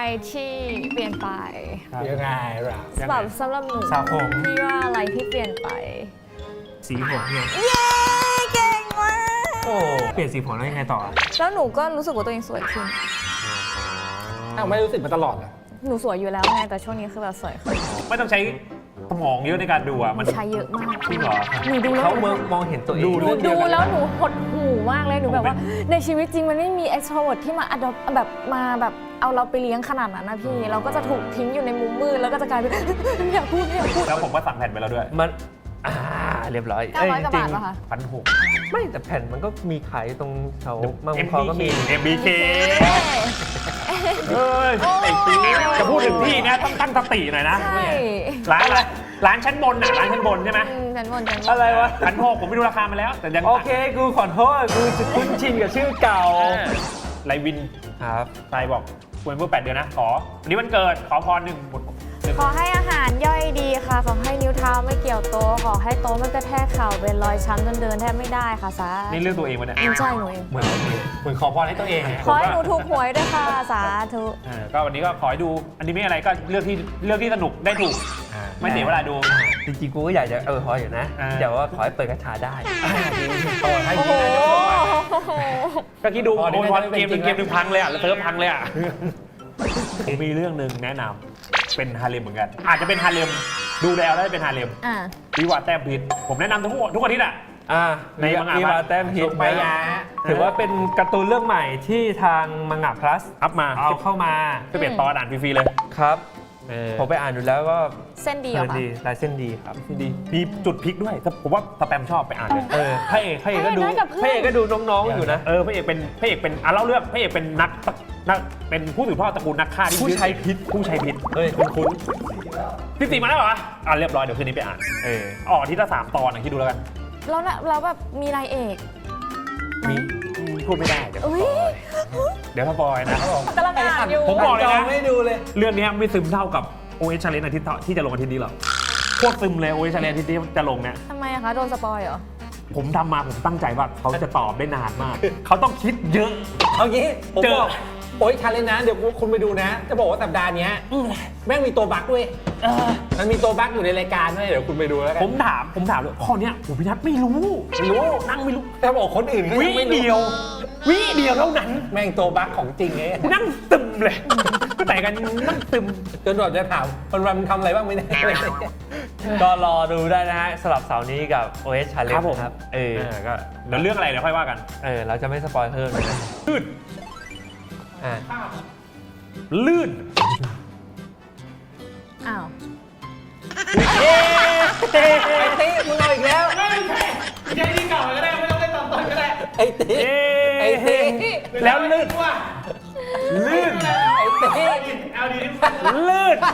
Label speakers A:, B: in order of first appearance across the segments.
A: ที่เปลี่ยนไป
B: ยังไงล่ะ
A: แบบสำหรับหนู
C: สระผม
A: พี่ว่าอะไรที่เปลี่ยนไป
C: สีผมเนี่ย
A: เย้เก่งมาก
C: โอ้เปลี่ยนสีผมแล้วยังไงต่อ
A: แล้วหนูก็รู้สึกว่าตัวเองสวยขึ้น
B: อ้าวไม่รู้สึกมาตลอดอ่ะ
A: หนูสวยอยู่แล้วไงแต่ช่วงนี้คือแบบสวยขึ้น
D: ไม่ต้องใช้สมองเยอะในการดูอ่ะมัน
A: ใช้เยอะมาก
D: จริงเหรอ
A: หนูดูแล้ว
C: เขา
A: หนู
C: มองเห็นตัวเอง
A: หนูดูแล้วหนูหดหูมากเลยหนูแบบว่าในชีวิตจริงมันไม่มี extrovert ที่มาแบบมาแบบเอาเราไปเลี้ยงขนาดนั้นนะพี่เราก็จะถูกทิ้งอยู่ในมุมมืดแล้วก็จะกลายเป็น ไม่อยากพูดไม่อยากพูด
D: แล้วผมก็สั่งแผ่นไปแล้วด้วย
C: มันเรียบร้อย
A: 900 กว่าบาทป่ะคะ
D: 1,600
C: ไม่แต่แผ่นมันก็มีขายตรงแถวบางบัวทองก็มี
D: MBK เอ้ยไอ้ปีจะพูดถึงพี่นะต้องตั้งสติหน่อยนะ
A: ใช่
D: ร้านชั้นบนน่ะร้านชั้นบนใช่ไหม
A: ฉันบน
C: อะไรวะ
D: 1,600ผมไม่รู้ราคามาแล้ว แต่ยัง
C: โอเคกูขอโทษกูจะคุ้นชินกับชื่อเก่า
D: ไลวิน
C: ครับ
D: ทรายบอกควรเมื่อ8 เดือนนะขอวันนี้วันเกิดขอพรหนึ่งบท
A: ขอให้อาหารย่อยดีค่ะ ขอให้นิ้วเท้าไม่เกี่ยวโต๊ะขอให้โต๊ะไม่กระแทกเข่าเป็นรอยช้ำจนเดินแทบไม่ได้ค่ะสา
D: นี่เรื่องตัวเองวะเนี่ย
A: ใช่หนูเอง
D: เหมือนขอพรให้ตัวเองไง
A: ขอให้หนูถูกหวยด้วยค่ะสาธุ
D: ก็วันนี้ก็ขอให้ดูอนิเมะอะไรก็เลือกที่สนุกได้ถูกไม่เสียเวลาดู
C: จริงๆกูก็อยากจะขออยู่นะ
D: อ่า
C: แต่ว่าขอให้เปิดกระชาได้
B: ต่อให้
A: โอ้โห
B: ดีนะจะบอกว่า
D: ก็คิดดู
B: พอได้
D: โอ้ยพอ
B: ได้
D: เกมหนึ่ง
B: เป็นจริง
D: เกมหนึ่งพังเลยอ่ะเซิร์ฟพังเลยอ่ะผมมีเรื่องหนึ่งแนะนำเป็นฮาเลมเหมือนกัน อาจจะเป็นฮาเลมดูแล้วได้เป็นฮาเลม
A: อ่ะ
D: วิวาแต้มพิษผมแนะนำทุกอาทิตย์อ่ะ ในมังงะ
C: มีวาแต้มฮิต
B: ไปยา
C: ถือว่าเป็นการ์ตูนเรื่องใหม่ที่ทางมังงะ plus
D: อัพมา
C: เอาเข้ามา
D: ไปเปลี่ยนตอนอ่านฟรีๆเลย
C: ครับ ผมไปอ่านดูแล้วก็
A: เส้นดี
C: เพ
A: เหร
C: ลิ
A: อน คะ
C: ดีลายเส้นดีครับดี
D: มีจุดพลิกด้วยผมว่าสแปมชอบไปอ่านเลย
C: พระเอกก็ดู
A: ได้กับเพื่อน
C: พระเอกก็ดูน้องๆอยู่นะ
D: พระเอกเป็นเล่าเรื่องพระเอกเป็นนักเป็นผู้สืบทอดตระกูลนักฆ่าที่
C: ผู้ใช้พิษ
D: ผู้ใช้พิษ
C: เฮ้ย
D: คุ้นพี่ตีมาแล้วเหรอเรียบร้อยเดี๋ยวคืนนี้ไปอ่านออกอาที่ละ3 ตอนคิดดูแล้วกัน
A: แล้วแบบมีนายเอกไหม
D: พูดไม่ได้เดี๋ยว
A: อุ้ย
D: เดี๋ยวสปอยนะ
A: กำลังอ่านอยู่
D: ผมบอกเลยนะ
B: ไม่ดูเลย
D: เรื่องนี้ไม่ซึมเท่ากับ OS Challenge อาทิตย์ที่จะลงอาทิตย์นี้หรอกโคตรซึมเลย OS Challenge อาทิตย์ที่จะลงเนี่ย
A: ทำไมอะคะโดนสปอยเหรอ
D: ผมทำมาผมตั้งใจว่าเขาจะตอบได้นานมาก เขาต้องคิดเยอะ
B: เอางี้ผม
D: เจอ
B: บอกโอ้ยชาเลนจ์นะ เดี๋ยวคุณไปดูนะ จะบอกว่าสัปดาห์เนี้ยแม่งมีตัวบั๊กด้วยมันมีตัวบั๊กอยู่ในรายการด้วยเดี๋ยวคุณไปดูแล้วกัน
D: ผมถามเลยข้อเนี้ยผมพี่นัทไม่รู้นั่งไม่รู้
B: ถ้าบอกคนอื่นก็
D: วิ
B: ยังไม่รู้
D: เดียวเท่านั้น
B: แม่งตัวบั๊กของจริงไง
D: กูนั่งตึมเลยแต่กันนั่งตึม
B: จนเราจะถามวันมันทำอะไรบ้างไม่ได้
C: ก็รอดูได้นะฮะสลับเสาร์นี้กับ OS Challenge
D: ครับผม
C: ครับ
D: ก็เดี๋ยวเรื่องอะไรเดี๋ยวค่อยว่ากัน
C: เราจะไม่สปอยเพิ่มเลยนะ
D: ลื่น
C: อ่า
D: ลื่น
A: อ้าว
B: ไอ้ติ๊มึงเอาอีกแล้ว
D: ไม่ใช่ที่เก่าก็ได้ไม่ต้องเล่นตอนต้นก็ได้
B: ไอ้ติ๊ไอ้ติ๊
D: แล้วลื่น ลื่น
B: ไอ้ติ๊
D: ลื่น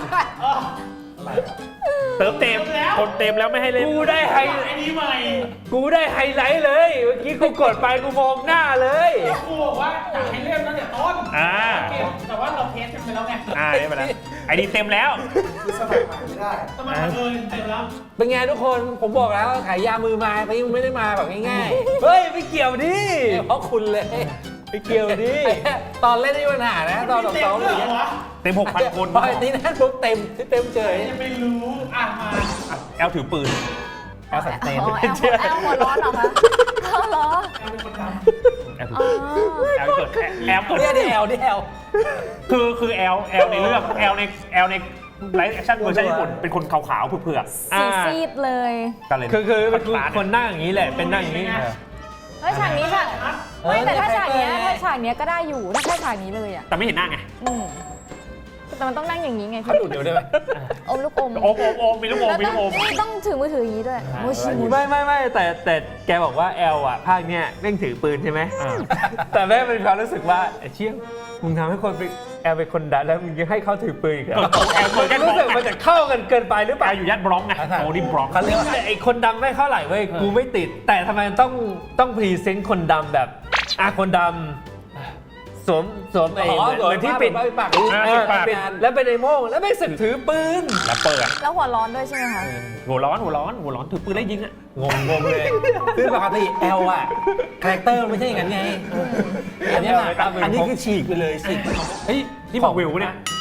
D: เติมเต็มคนเต็มแล้วไม่ให้เล่น
C: กูได้ไฮไลท์เลย เมื่อกี้กูกดไปกูมองหน้าเลย
E: กูบอกว่าอยากให้เริ่มตั้งแต่ต้น แต่ว่าเราเทสกันไปแล้วไง
D: ได้ไปแล้วไอดีเต็มแล้ว
E: สมัครเต็มแล้ว
B: เป็นไงทุกคนผมบอกแล้วขายยามือมาแต่ยังไม่ได้มาแบบง่าย
C: เฮ้ยไม่เกี่ยวดิ
B: ๆเพราะคุณเลย
C: ไม่เกี่ยวดิ
B: ตอนเล่นได้ปัญหานะตอนสองๆอย่างเงี้ย
D: เต็ม 6,000 คน
B: พอไอ้นี่นั่นปุ๊บเต็มเฉย
E: จะไม่รู้อ่ะมา
D: แอลถือปืน
B: แอลสันเตน
A: อ๋อแอลหัวร้อนเหรอคะเอาเหรอ
E: เป็นคนท
D: แอลถือ
A: อ๋อ
D: แอลเกิดแอลเกิด
B: เนี่ยแอลนี่แอล
D: คือแอลในเรื่องแอลในไลฟ์แอคชั่นเวอร์ชันญี่ปุ่นเป็นคนขาวๆเผือก
A: สีซีดเลย
D: ๆกันเลย
C: คือคนนั่งอย่างนี้แหละ เป็นนั่งอย่างนี้
A: เฮ้ยฉากนี้ฉากไม่แต่ถ้าฉากเนี้ยก็ได้อยู่ถ้าแค่ฉากนี้เลยอ่ะ
D: แต่ไม่เห็นหน้าไง
A: แต่มันต้องนั่งอย่างนี้ไง
B: เขาดูดเดี๋ยวได้ไหม
A: อมลูกอม
D: โอมมีลูกโอม
A: แล้ว
D: มีลูกโอม
A: ต้องถือมือถืออย่างนี้ด้วยโมชิมุ
C: ไม่แต่แกบอกว่าแอลอ่ะภาคเนี้ยแม่งถือปืนใช่ไหมแต่แม่เป็นความรู้สึกว่าไอ้เชี่ยมึงทำให้คนแอลเป็นคนดันแล้วมึงยังให้เขาถือปืนอีกเหรอ
D: แอล
C: มันรู้สึกมันจะเข้ากันเกินไปหรือเป
D: แอ
C: ล่า
D: ลอยู่ย่านบล็อกไงโอ้นี่บล็อก
B: เขาเรียกว่า
C: ไอ้คนดำไม่เท่าไหร่เว้ยกูไม่ติด แต่ทำไมต้องพรีเซนต์คนดำแบบคนดำสวมไอ้เหมือนที่ปิด
B: ปาก
C: ปิดแล้วเป็นไอ้โม่งแล้วไม่สึกถือปืน
D: แล้วเปิด
A: แล้วหัวร้อนด้วยใช่ไหมคะ
D: หัวร้อนถือปืนไล่ยิงอ่ะ
B: งงเลยคือปกติแอลอะคาแรคเตอร์ไม่ใช่อย่างนั้นไงอันนี้คือฉีกไปเลยฉีก
D: เฮ้ยนี่บอกวิวเนี่ย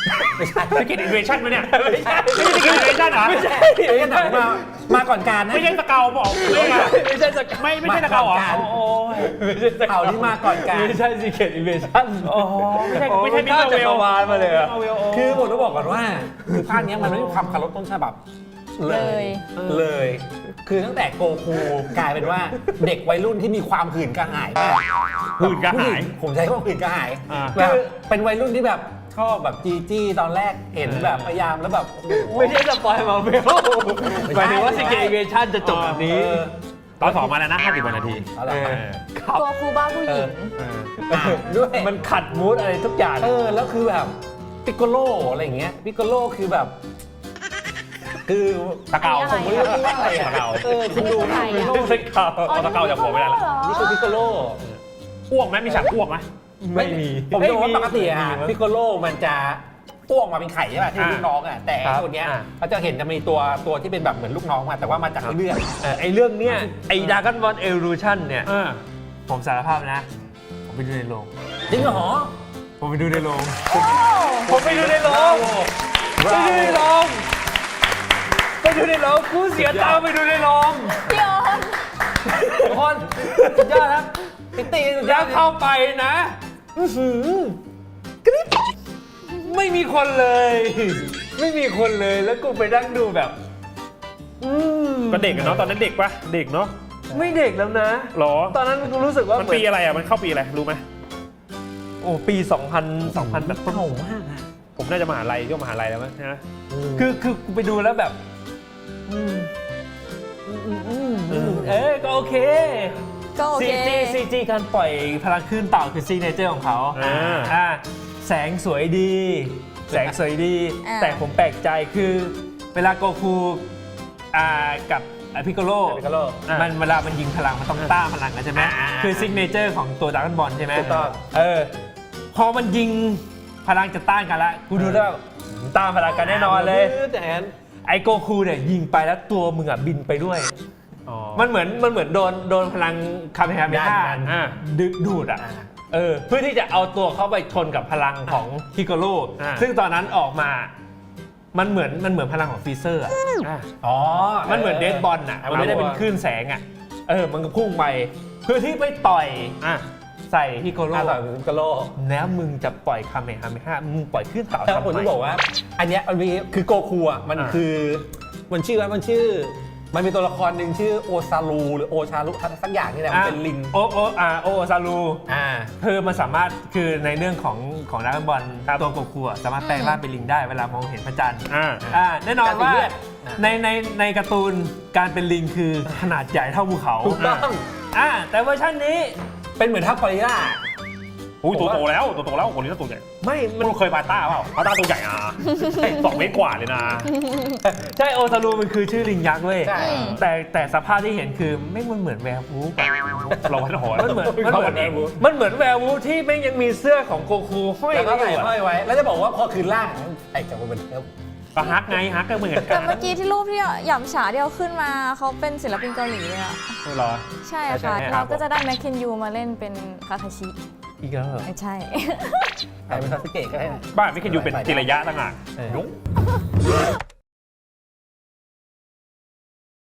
B: ไม่ใช่
D: สเก็ตอินเวชั่นไหมเนี่ย
B: ไม่ใช่
D: ไม่ใช่สเก็ตอินเวชั่นเหรอ
B: ไม่ใช่ไอ้หนังมาก่อนการนะ
D: ไม่ใช่สเกลบอกไม่ใช่สเกลไม่ใช่สเกลเหรอ
B: มาก่อนการ
D: โอ้ย
B: ข่าวนี้มาก่อนการ
C: ไม่ใช่ Secret Invasion
D: โอ้ไม่ใช่มิ
C: ข้า
D: เตอร์เว
C: จัก
D: ล
C: รวาลมาเลยอะ
B: คือผมต้องบอกก่อนว่าคือภาคเนี้ยมันไม่มีความเคารพต้นฉบับเลย คือตั้งแต่โกคูกลายเป็นว่าเด็กวัยรุ่นที่มีความหื่นกระหายมาก
D: หื่นกระหาย
B: ผมใช้คำว่าหื่นกระหาย
D: อ่า
B: แบบเป็นวัยรุ่นที่แบบชอบแบบจีตอนแรกเห็นแบบพยายามแล้วแบบโอ้โห
C: ไม่ใช่สปอยล์มาเวล
B: ไม่
C: ห
B: ใช่
C: มายถึงว่า Secret Invasion จะจบแบบนี้
D: ตอนสองมาแล้วนะ50 กว่านาที
B: เอาละ
C: ครับ
A: ตัวครูบ้าผู้หญิง
B: ด้วย
C: มันขัดมูดอะไรทุกอย่าง
B: แล้วคือแบบปิโกโลอะไรอย่างเงี้ยปิโกโลคือแบบ คือ
D: ตะเกา
A: อันนี้อะไร
B: ผมไม่รู้ว่าอะไรอะ
D: ตะเกา
B: คุณดู
A: ใครอะ
B: ปิโกโล
C: สเกล
D: เอาตะเกาจากหัวไม่ได้ละ
B: นี่คือปิโกโล
D: อ้วกไหมมีฉากอ้วกไหม
C: ไม่มี
B: ผมจะบอกว่าปกติอะ
C: ไม่มี
B: ปิโกโลมันจะอ้วกมาเป็นไข่ใช่ป่ะที่ลูกน้องอะแต่
C: ครับ
B: ตัวเนี้ย
C: อ่า
B: เขาจะเห็นจะมีตัวที่เป็นแบบเหมือนลูกน้องมาแต่ว่ามาจากเลือด
C: ไอเรื่องเนี้ยไอ Dragon Ball Evolution เนี่ย
D: อ่า
C: ผมสารภาพนะ ผมไปดูในโรง
B: จริงเหรอ
C: ผมไปดูในโรงผมไปดูในโรงไปดูในโรงไปดูในโรงกูเสียตังค์ไปดูในโรง
A: พี่ออน
B: ทุกคนสุดยอดครับติ๊กตีสุดย
C: แล้
B: อ
C: ว
B: ด
C: เข้าไปนะกริ๊บไม่มีคนเลย ไม่มีคนเลยแล้วกูไปนั่งดูแบบ
D: ก็เด็กอะเนาะตอนนั้นเด็กปะเด็กเนาะ
C: ไม่เด็กแล้วนะ
D: หรอ
C: ตอนนั้นกูรู้สึกว่า
D: มันปีอะไรอ่ะมันเข้าปีอะไรรู้ไหม
C: โอ้ปี 2000แบบต้น
B: เก่ามากนะ
D: ผมน่าจะมหาลัยช่วงมหาลัยแล้วมั้งนะ
C: คือกูไปดูแล้วแบบก็โอเค
A: ก็โอเค
C: CG การปล่อยพลังคลื่นเต่าคือซีเนเจอร์ของเขาแสงสวยดี แสงสวยดี
A: อ่า
C: แต่ผมแปลกใจคือเวลาโกคูกับพิกโกโล
B: ปิโกโล
C: มันเวลามันยิงพลังมันต้องต้านพลังกันใช่ไหมคือซิกเนเจอร์ของตัวดราก้อนบอลใช่ไหม
B: ถูกต้อง
C: พอมันยิงพลังจะต้านกันละกูดูแล้วต้านพลังกันแน่นอนเลย
B: แต่อัน
C: ไอโกคูเนี่ยยิงไปแล้วตัวมึงอ่ะบินไปด้วย มันเหมือนโดนพลังคาเมฮาเมฮาดูดอ่ะเพื่อที่จะเอาตัวเข้าไปชนกับพลังของพิกโกโลซึ่งตอนนั้นออกมามันเหมือนพลังของฟรีเซอร์อ่ะ
B: อ๋อ
C: มันเหมือนเดดบอลอ่ะมันไม่ได้เป็นคลื่นแสงอ่ะมันก็พุ่งไปเพื่อที่ไปต่อยใส่พิกโกโล
B: ต่อยปิโกโล
C: แล้วมึงจะปล่อยคาเมฮาเมฮามึงปล่อยคลื่นเต่า
B: แต่
C: ทำ
B: ผม
C: ไม
B: จะบอกว่า อันเนี้ยมันมีคือโกคูอ่ะมันคือมันชื่อมันมีตัวละครหนึ่งชื่อโอซารูหรือโอชารุสักอย่างนี่แหละมันเป็นลิง
C: โอซารู
B: อ่า
C: คือมันสามารถคือในเรื่องของดราก้อนบอลตัวโกคูสามารถแปลงร่างเป็นลิงได้เวลามองเห็นพระจันทร์แน่นอนว่าในการ์ตูนการเป็นลิงคือขนาดใหญ่เท่าภูเขา
B: ถูกต้อง
C: แต่เวอร์ชันนี้
B: เป็นเหมือนทัพกอริลลา
D: อุ้ยตัวโตแล้วคนนี้ตัวใหญ่
C: ไม่
D: มันเคยปาต้าเปล่าปาต้าตัวใหญ่อ่ะ2 เมตรกว่าเลยนะ
C: ใช่โอซารูมันคือชื่อลิงยักษ์เว้ย
B: ใช่
C: แต่สภาพที่เห็นคือไม่มันเหมือนแวร์วูฟ
D: เราวัดหัว
C: มันเหมือนแวร์วูฟที่แม่งยังมีเสื้อของโกคูห้อย
B: แล้วก็
C: ไว้
B: ใส่
C: อยู่
B: ห้อยไว้ แล้วจะบอกว่าพอคืนล่างไอ้จะเป็น
D: ก็ฮักไงฮักก็เหมือนกั
A: แต่
D: น
A: เมื่อกี้ที่รูปที่หยำฉาที่เอาขึ้นมาเขาเป็นศิลปินเกาหลีเลยอะ
D: เหรอ
A: ใช่ค่ะ เราก็จะได้แมคเคนยูมาเล่นเป็นคาคาชิ
C: อีกแล้วเหรอ
A: ไม่ใช่
B: ใส่เป็นซาสึเกะก็ได้นะ
D: บ้านไม่เคยอยู่เป็นจิระยะต่างหาก
B: เออ
D: ยุ้ง